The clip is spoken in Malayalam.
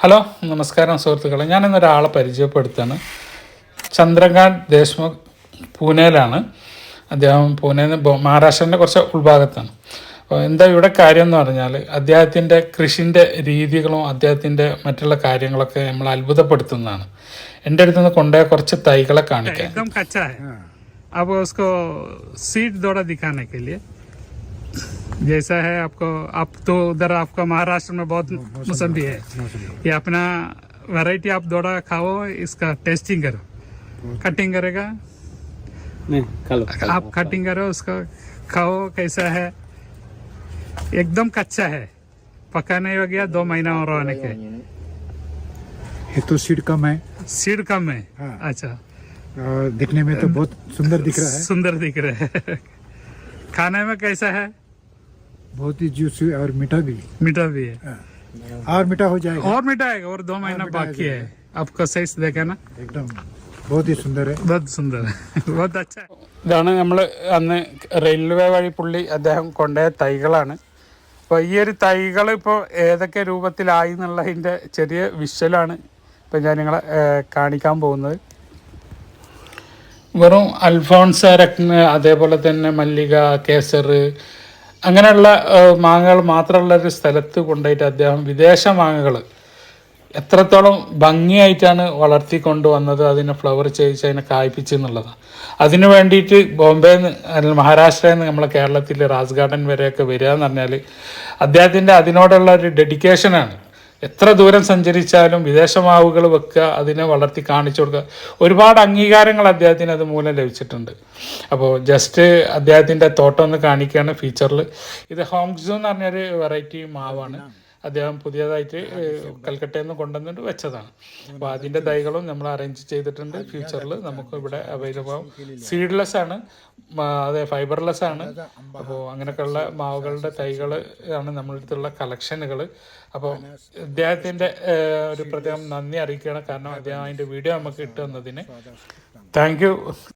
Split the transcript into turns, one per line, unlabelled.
ഹലോ നമസ്കാരം സുഹൃത്തുക്കളെ, ഞാനിന്നൊരാളെ പരിചയപ്പെടുത്തുകയാണ്. ചന്ദ്രകാന്ത് ദേശ്മുഖ് പൂനെയിലാണ്. അദ്ദേഹം പൂനെയിൽ നിന്ന് മഹാരാഷ്ട്രൻ്റെ കുറച്ച് ഉൾഭാഗത്താണ്. അപ്പോൾ എന്താ ഇവിടെ കാര്യം എന്ന് പറഞ്ഞാൽ അദ്ദേഹത്തിൻ്റെ കൃഷിൻ്റെ രീതികളും അദ്ദേഹത്തിൻ്റെ മറ്റുള്ള കാര്യങ്ങളൊക്കെ നമ്മൾ അത്ഭുതപ്പെടുത്തുന്നതാണ്. എൻ്റെ അടുത്ത് നിന്ന് കൊണ്ടുപോയ കുറച്ച് തൈകളെ കാണിക്കാം.
एकदम कच्चा है। अब उसको सीड दौड़ा दिखाने के लिए जैसा है आपको, आप तो उधर आपका महाराष्ट्र में बहुत मौसम्बी है, ये अपना वैरायटी आप दौड़ा खाओ, इसका टेस्टिंग करो। कटिंग करेगा
नहीं,
आप कटिंग करो, उसका खाओ कैसा है। एकदम कच्चा है, पका नहीं हो गया, 2 महीना और आने के।
ये तो सीड कम है।
सीड कम है।
हाँ।
अच्छा,
दिखने में तो बहुत सुंदर दिख रहा है।
सुंदर दिख रहा है। खाने में कैसा है?
बहुत ही जूसी और मीठा भी।
मीठा भी है।
और मीठा हो जाएगा।
और मीठा है, और 2 महीना
मीठा
बाकी है।
है।
आपका साइज देखा ना,
एकदम बहुत ही सुंदर है।
बहुत सुंदर है। बहुत अच्छा है।
ഇതാണ് നമ്മൾ അന്ന് റെയിൽവേ വഴി പുള്ളി അദ്ദേഹം കൊണ്ടുപോയ തൈകളാണ്. അപ്പോൾ ഈ ഒരു തൈകൾ ഇപ്പോൾ ഏതൊക്കെ രൂപത്തിലായി എന്നുള്ളതിൻ്റെ ചെറിയ വിഷ്വലാണ് ഇപ്പോൾ ഞാൻ നിങ്ങളെ കാണിക്കാൻ പോകുന്നത്. വെറും അൽഫോൺസ രത്ന, അതേപോലെ തന്നെ മല്ലിക, കേസർ, അങ്ങനെയുള്ള മാങ്ങകൾ മാത്രമുള്ള ഒരു സ്ഥലത്ത് കൊണ്ടുപോയിട്ട് അദ്ദേഹം വിദേശ മാങ്ങകൾ എത്രത്തോളം ഭംഗിയായിട്ടാണ് വളർത്തിക്കൊണ്ടുവന്നത്, അതിനെ ഫ്ലവർ ചെയ്യിച്ച് അതിനെ കായ്പിച്ച് എന്നുള്ളതാണ്. അതിന് വേണ്ടിയിട്ട് ബോംബെയിൽ നിന്ന് അല്ലെങ്കിൽ മഹാരാഷ്ട്രയിൽ നിന്ന് നമ്മളെ കേരളത്തിൽ റാസ് ഗാർഡൻ വരെയൊക്കെ വരിക എന്ന് പറഞ്ഞാൽ അദ്ദേഹത്തിൻ്റെ അതിനോടുള്ള ഒരു ഡെഡിക്കേഷനാണ്. എത്ര ദൂരം സഞ്ചരിച്ചാലും വിദേശ മാവുകൾ വെക്കുക, അതിനെ വളർത്തി കാണിച്ചു കൊടുക്കുക. ഒരുപാട് അംഗീകാരങ്ങൾ അദ്ദേഹത്തിന് അത് മൂലം ലഭിച്ചിട്ടുണ്ട്. അപ്പോൾ ജസ്റ്റ് അദ്ദേഹത്തിൻ്റെ തോട്ടം ഒന്ന് കാണിക്കുകയാണ് ഫീച്ചറിൽ. ഇത് ഹോംഗ്സു എന്ന് പറഞ്ഞൊരു വെറൈറ്റി മാവാണ്. അദ്ദേഹം പുതിയതായിട്ട് കൽക്കട്ടയിൽ നിന്ന് കൊണ്ടുവന്നിട്ട് വെച്ചതാണ്. അപ്പോൾ അതിൻ്റെ തൈകളും നമ്മൾ അറേഞ്ച് ചെയ്തിട്ടുണ്ട്. ഫ്യൂച്ചറിൽ നമുക്ക് ഇവിടെ അവൈലബിൾ ആവും. സീഡ്ലെസ് ആണ്, അതെ ഫൈബർലെസ് ആണ്. അപ്പോൾ അങ്ങനെയൊക്കെയുള്ള മാവുകളുടെ തൈകൾ ആണ് നമ്മളുടെ അടുത്തുള്ള കളക്ഷനുകൾ. അപ്പോൾ അദ്ദേഹത്തിൻ്റെ ഒരു പ്രത്യേകം നന്ദി അറിയിക്കുകയാണ്. കാരണം അദ്ദേഹം അതിൻ്റെ വീഡിയോ നമുക്ക് ഇട്ടു തന്നതിന്. Thank U.